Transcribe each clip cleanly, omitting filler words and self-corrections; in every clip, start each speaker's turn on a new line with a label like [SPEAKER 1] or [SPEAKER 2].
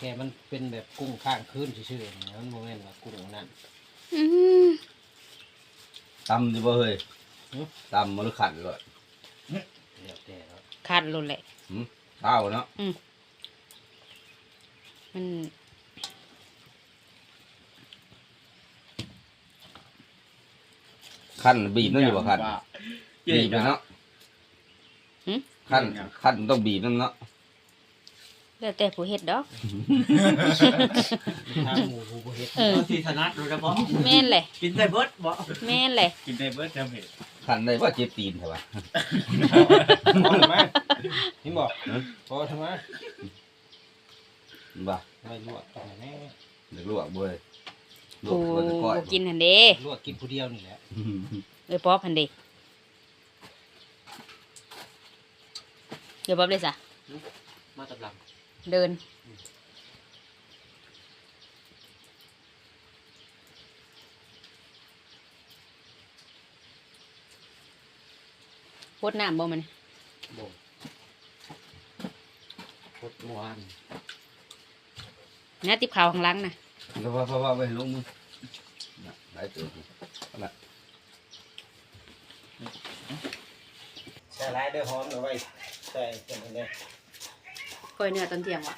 [SPEAKER 1] ค่มันเป็นแบบกุ้งข้างคืนชื่อๆนะมันโมเมนต์ว่ากุ้งนั่น
[SPEAKER 2] ตำดิบ่เฮ้ยตำมันขันเลย
[SPEAKER 1] เดี๋ยวแต่แล้ว
[SPEAKER 3] คันรุนแหละ
[SPEAKER 2] ข้าวเนาะ
[SPEAKER 3] มัน
[SPEAKER 2] ขั้นบีบนั่นอยู่บ่ขั้นบีบเนาะขั้นต้องบีบนั่นเนาะ
[SPEAKER 3] แล้วแต่ผู้เฮ็ดดอก
[SPEAKER 1] ทางหมูหูบ่เฮ็ด
[SPEAKER 4] ที่ถนัดรู้จักบ่
[SPEAKER 3] แม่นเลย
[SPEAKER 4] กินได้เบิดบ่
[SPEAKER 3] แม่นเลย
[SPEAKER 4] กินได้เบิดจำเห็ด
[SPEAKER 2] ขั้นได้ว่าเจ็บตีนใช่ปะ
[SPEAKER 1] พอทำไมนี่บอกพอทำไม
[SPEAKER 2] บ่า
[SPEAKER 1] ไม่ลวกตรงไหนแน่
[SPEAKER 2] เด็กลวกบ่เฮ้ยลว
[SPEAKER 3] ผู้
[SPEAKER 2] กมันจะก้อย
[SPEAKER 3] กินหันเด้
[SPEAKER 1] ลวกกินผู้เดียวนี่แหละ
[SPEAKER 3] ป๊อบหันเด้เดี๋ยวป๊อบเลยจ้ะ
[SPEAKER 1] มาตำลัง
[SPEAKER 3] เดินพดน้ำบ่มัน
[SPEAKER 1] บ่พดหวาน
[SPEAKER 3] นะติบขาวข้างหล่างนะ
[SPEAKER 2] แล้วว่าไปลงมือหลายตัวนั่นแหละ
[SPEAKER 1] ใส่หลายเด้อหอมเอาไว้ใส่กันอันนี้
[SPEAKER 3] คอยเนื้อตอนเที่ยงวะ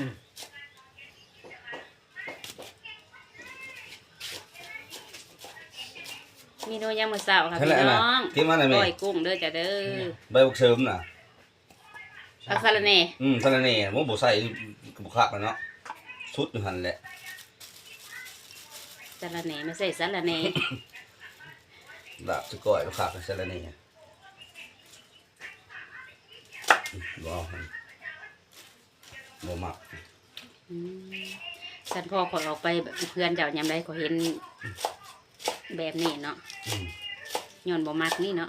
[SPEAKER 3] มีโนยังมื้อเช้าค่ะ
[SPEAKER 2] นั่น
[SPEAKER 3] พี่
[SPEAKER 2] แหละ
[SPEAKER 3] น้
[SPEAKER 2] นะ
[SPEAKER 3] อง
[SPEAKER 2] กินมาหน่อยไหม
[SPEAKER 3] ก้อยกุ้งเด้อจ้ะเด้อ
[SPEAKER 2] ใบบุกเสริมน่ะ
[SPEAKER 3] ผักสะระแหน่
[SPEAKER 2] สารเน่ผมบ่ใส่บุคักแล้วเนาะสุดอยู่หั่นแหละ
[SPEAKER 3] สะระแหน่ไม่ใส่สะระแหน่
[SPEAKER 2] ลาบสก้อยบุคักสารเน่บ่เอาหั่นบ่มัก
[SPEAKER 3] ฉันพอขอยออกไปแบบเพื่อนเจ้ายามใดขอยเห็นแบบนี้เนาะย้อนบ่มักนี่เนาะ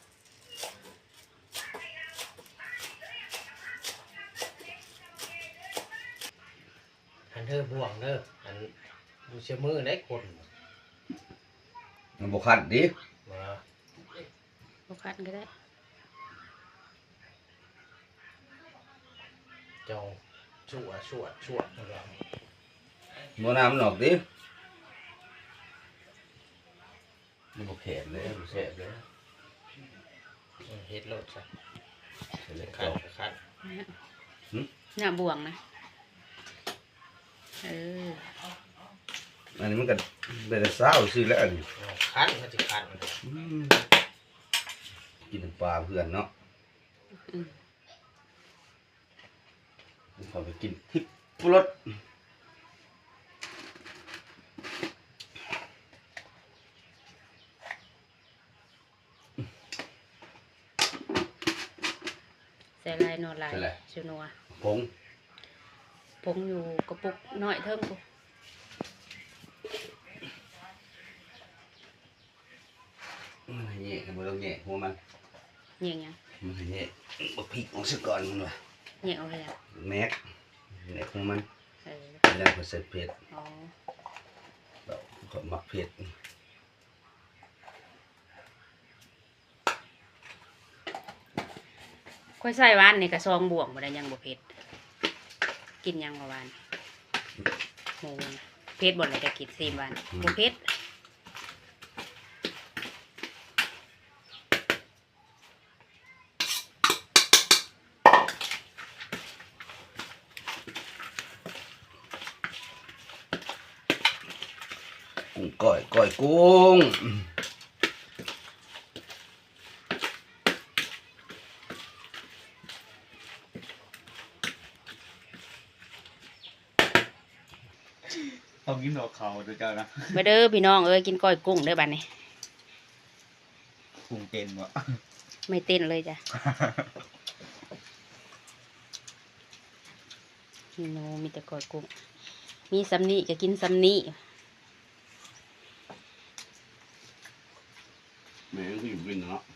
[SPEAKER 1] อันเธอบ่วงเด้ออันดูเชื่อมือได้คน
[SPEAKER 2] มันบ่คันดิ
[SPEAKER 1] มา
[SPEAKER 3] บ่คันก็ได้
[SPEAKER 1] จองชั่วนั่นแหละ
[SPEAKER 2] บ่น้ำมันออกดิมันบ่แข็งเลยบ่แซ่บเลย
[SPEAKER 1] เฮ็ดโลดใส่
[SPEAKER 2] ใส่เล็ก
[SPEAKER 1] คั
[SPEAKER 2] เอา
[SPEAKER 1] นคัน
[SPEAKER 3] หน้าบ่วงนะเออ
[SPEAKER 2] อันนี้มันก็เป็นซาวซื่อแล้วอันนี้
[SPEAKER 1] คันมันจะคัน
[SPEAKER 2] กินน้ำปลาเพื่อนเนาะเขาไปกินทิพย์รส
[SPEAKER 3] ใส่ลายนอนลายชูนัว
[SPEAKER 2] ผง
[SPEAKER 3] ผงอยู่กระปุกน้อยเทิงกู
[SPEAKER 2] มันแย่กันบ่ต้องแย่หัวมัน
[SPEAKER 3] เหยียงยัง
[SPEAKER 2] มันแย่บ่พริกออกซะก่อนมันว่า
[SPEAKER 3] เหยียงเอาเลยอ่ะ
[SPEAKER 2] แม็กหัวมัน
[SPEAKER 3] เออ
[SPEAKER 2] แล้วก็ใส่เผ็ด
[SPEAKER 3] อ๋อ
[SPEAKER 2] เราก็มักเผ็ด
[SPEAKER 3] ค่อยใส่หวานนี่กระซองบ่วงบ่ได้ยังบ่เผ็ดกินยังบ่หวานหมูนะเผ็ดบ่เลยจะกินซีมหวานบ่เผ็ด
[SPEAKER 2] กุ้งก้อยกุ้ง
[SPEAKER 4] ต้องกินดอกเขาเด้อเจ้านะ
[SPEAKER 3] มาเด้อพี่น้องเอ้ยกินก้อยกุ้งเด้อบัดนี้
[SPEAKER 4] กุ้งเต้นบ่
[SPEAKER 3] ไม่เต้นเลยจ้ะพี่น้องมีแต่ก้อยกุ้งมีสำนีก็กินสำนี
[SPEAKER 2] แม่งก็อยู่กินเนาะ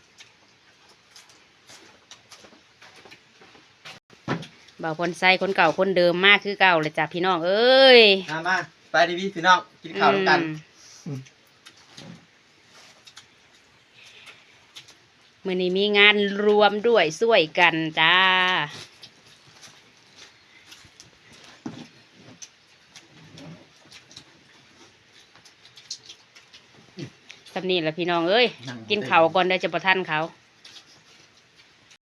[SPEAKER 3] บ่าวพลไส้คนเก่าคนเดิมมากคือเก่าเลยจ้ะพี่น้องเอ้ย
[SPEAKER 4] มาไปดิพี่น้องกินข้าวด้วยกัน
[SPEAKER 3] มื้อนี้มีงานรวมด้วยช่วยกันจ้าสำนี่แหละพี่น้องเอ้ยกินข้าวก่อนได้จะประทันเขา